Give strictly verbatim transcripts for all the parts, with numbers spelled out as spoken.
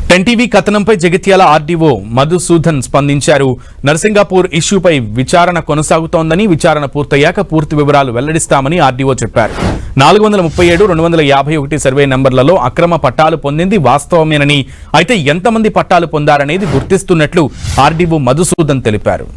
Ten TV కథనంపై Jagtial RDO Madhusudan స్పందించారు. నర్సింగాపూర్ ఇష్యూపై విచారణ కొనసాగుతోందని, విచారణ పూర్తయ్యాక పూర్తి వివరాలు వెల్లడిస్తామని ఆర్డీఓ చెప్పారు. నాలుగు వందల ముప్పై ఏడు రెండు వందల యాభై ఒకటి సర్వే నంబర్లలో అక్రమ పట్టాలు పొందింది వాస్తవమేనని, అయితే ఎంతమంది పట్టాలు పొందారనేది గుర్తిస్తున్నట్లు ఆర్డీఓ మధుసూదన్ తెలిపారు.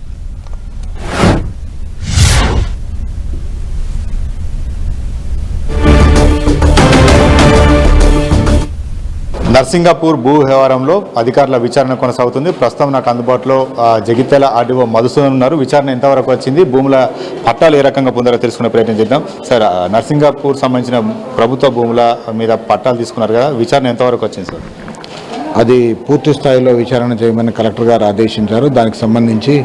నర్సింగాపూర్ భూ వ్యవహారంలో అధికారుల విచారణ కొనసాగుతుంది. ప్రస్తుతం నాకు అందుబాటులో జగిత్యాల ఆర్డీఓ మధుసూదన్ ఉన్నారు. విచారణ ఎంతవరకు వచ్చింది, భూముల పట్టాలు ఏ రకంగా పొందారో తెలుసుకునే ప్రయత్నం చేద్దాం. సార్, నర్సింగాపూర్ సంబంధించిన ప్రభుత్వ భూముల మీద పట్టాలు తీసుకున్నారు కదా, విచారణ ఎంతవరకు వచ్చింది సార్? అది పూర్తి స్థాయిలో విచారణ చేయమని కలెక్టర్ గారు ఆదేశించారు. దానికి సంబంధించి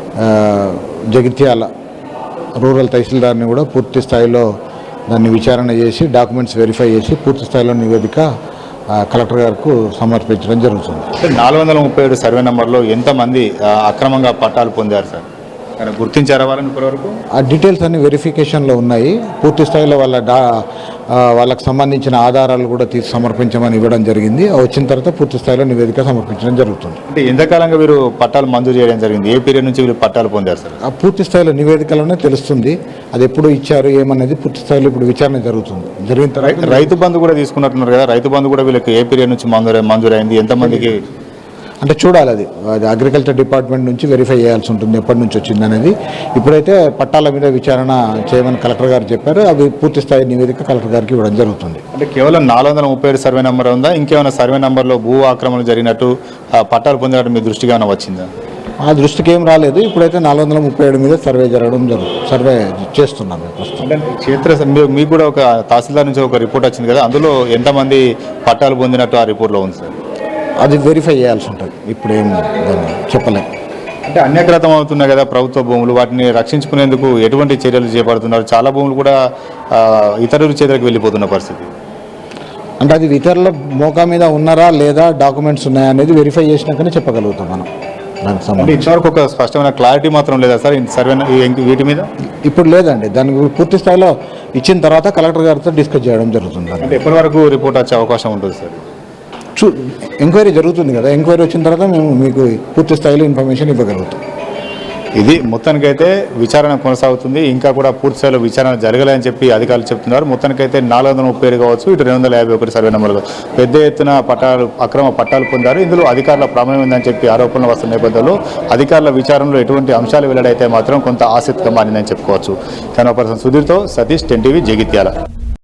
జగిత్యాల రూరల్ తహసీల్దార్ని కూడా పూర్తి స్థాయిలో దాన్ని విచారణ చేసి డాక్యుమెంట్స్ వెరిఫై చేసి పూర్తి స్థాయిలో నివేదిక కలెక్టర్ గారికి సమర్పించడం జరుగుతుంది. నాలుగు వందల ముప్పై ఏడు సర్వే నెంబర్లో ఎంతమంది అక్రమంగా పట్టాలు పొందారు సార్? గుర్తించారా వాళ్ళని ఇప్పటివరకు? ఆ డీటెయిల్స్ అన్ని వెరిఫికేషన్లో ఉన్నాయి. పూర్తి స్థాయిలో వాళ్ళ డా వాళ్ళకి సంబంధించిన ఆధారాలు కూడా తీసి సమర్పించమని ఇవ్వడం జరిగింది. వచ్చిన తర్వాత పూర్తి స్థాయిలో నివేదిక సమర్పించడం జరుగుతుంది. అంటే ఎంతకాలంగా వీరు పట్టాలు మంజూరు చేయడం జరిగింది? ఏ పీరియడ్ నుంచి వీరు పట్టాలు పొందారు సార్? ఆ పూర్తి స్థాయిలో నివేదికలోనే తెలుస్తుంది. అది ఎప్పుడు ఇచ్చారు ఏమనేది పూర్తి స్థాయిలో ఇప్పుడు విచారణ జరుగుతుంది. జరిగిన తర్వాత రైతు బంధు కూడా తీసుకున్నట్టున్నారు కదా, రైతు బంధు కూడా వీళ్ళకి ఏ పీరియడ్ నుంచి మంజూరు మంజూరైంది, ఎంతమందికి అంటే చూడాలి. అది అది అగ్రికల్చర్ డిపార్ట్మెంట్ నుంచి వెరిఫై చేయాల్సి ఉంటుంది ఎప్పటి నుంచి వచ్చింది అనేది. ఇప్పుడైతే పట్టాల మీద విచారణ చేయమని కలెక్టర్ గారు చెప్పారు. అవి పూర్తి స్థాయి నివేదిక కలెక్టర్ గారికి ఇవ్వడం జరుగుతుంది. అంటే కేవలం నాలుగు వందల ముప్పై ఏడు సర్వే నెంబర్ ఉందా, ఇంకేమైనా సర్వే నెంబర్లో భూ ఆక్రమణలు జరిగినట్టు పట్టాలు పొందినట్టు మీ దృష్టికి ఏమైనా వచ్చిందా? ఆ దృష్టికి ఏం రాలేదు. ఇప్పుడైతే నాలుగు వందల ముప్పై ఏడు మీద సర్వే జరగడం జరుగుతుంది. సర్వే చేస్తున్నాం ప్రస్తుతం. క్షేత్ర మీకు కూడా ఒక తహసీల్దార్ నుంచి ఒక రిపోర్ట్ వచ్చింది కదా, అందులో ఎంతమంది పట్టాలు పొందినట్టు ఆ రిపోర్ట్లో ఉంది సార్? అది వెరిఫై చేయాల్సి ఉంటుంది. ఇప్పుడు ఏం దాన్ని చెప్పలేము. అంటే అన్యక్రాతం అవుతున్నాయి కదా ప్రభుత్వ భూములు, వాటిని రక్షించుకునేందుకు ఎటువంటి చర్యలు చేపడుతున్నారు? చాలా భూములు కూడా ఇతరుల చేతులకు వెళ్ళిపోతున్న పరిస్థితి. అంటే అది ఇతరుల మోకా మీద ఉన్నారా లేదా, డాక్యుమెంట్స్ ఉన్నాయా అనేది వెరిఫై చేసినాకనే చెప్పగలుగుతాం మనం. దానికి సంబంధించి ఇంతవరకు ఒక స్పష్టమైన క్లారిటీ మాత్రం లేదా సార్ సర్వే వీటి మీద? ఇప్పుడు లేదండి. దానికి పూర్తి స్థాయిలో ఇచ్చిన తర్వాత కలెక్టర్ గారితో డిస్కస్ చేయడం జరుగుతుంది. అంటే ఎప్పటి వరకు రిపోర్ట్ వచ్చే అవకాశం ఉంటుంది సార్? చూ ఎంక్వైరీ జరుగుతుంది కదా, ఎంక్వైరీ వచ్చిన తర్వాత మేము మీకు పూర్తి స్థాయిలో ఇన్ఫర్మేషన్ ఇవ్వగలుగుతాం. ఇది మొత్తానికైతే విచారణ కొనసాగుతుంది. ఇంకా కూడా పూర్తి స్థాయిలో విచారణ జరగలేదని చెప్పి అధికారులు చెప్తున్నారు. మొత్తానికైతే నాలుగు వందల ముప్పై ఏడు కావచ్చు, ఇటు రెండు వందల యాభై ఒకటి సర్వే నెంబర్లు పెద్ద ఎత్తున పట్టాలు అక్రమ పట్టాలు పొందారు. ఇందులో అధికారుల ప్రమేయం ఉందని చెప్పి ఆరోపణలు వస్తున్న నేపథ్యంలో అధికారుల విచారణలో ఎటువంటి అంశాలు వెల్లడైతే మాత్రం కొంత ఆసక్తిగా మారిందని చెప్పుకోవచ్చు. కెమెరా పర్సన్ సుధీర్తో సతీష్, టెన్ టీవీ, జగిత్యాల.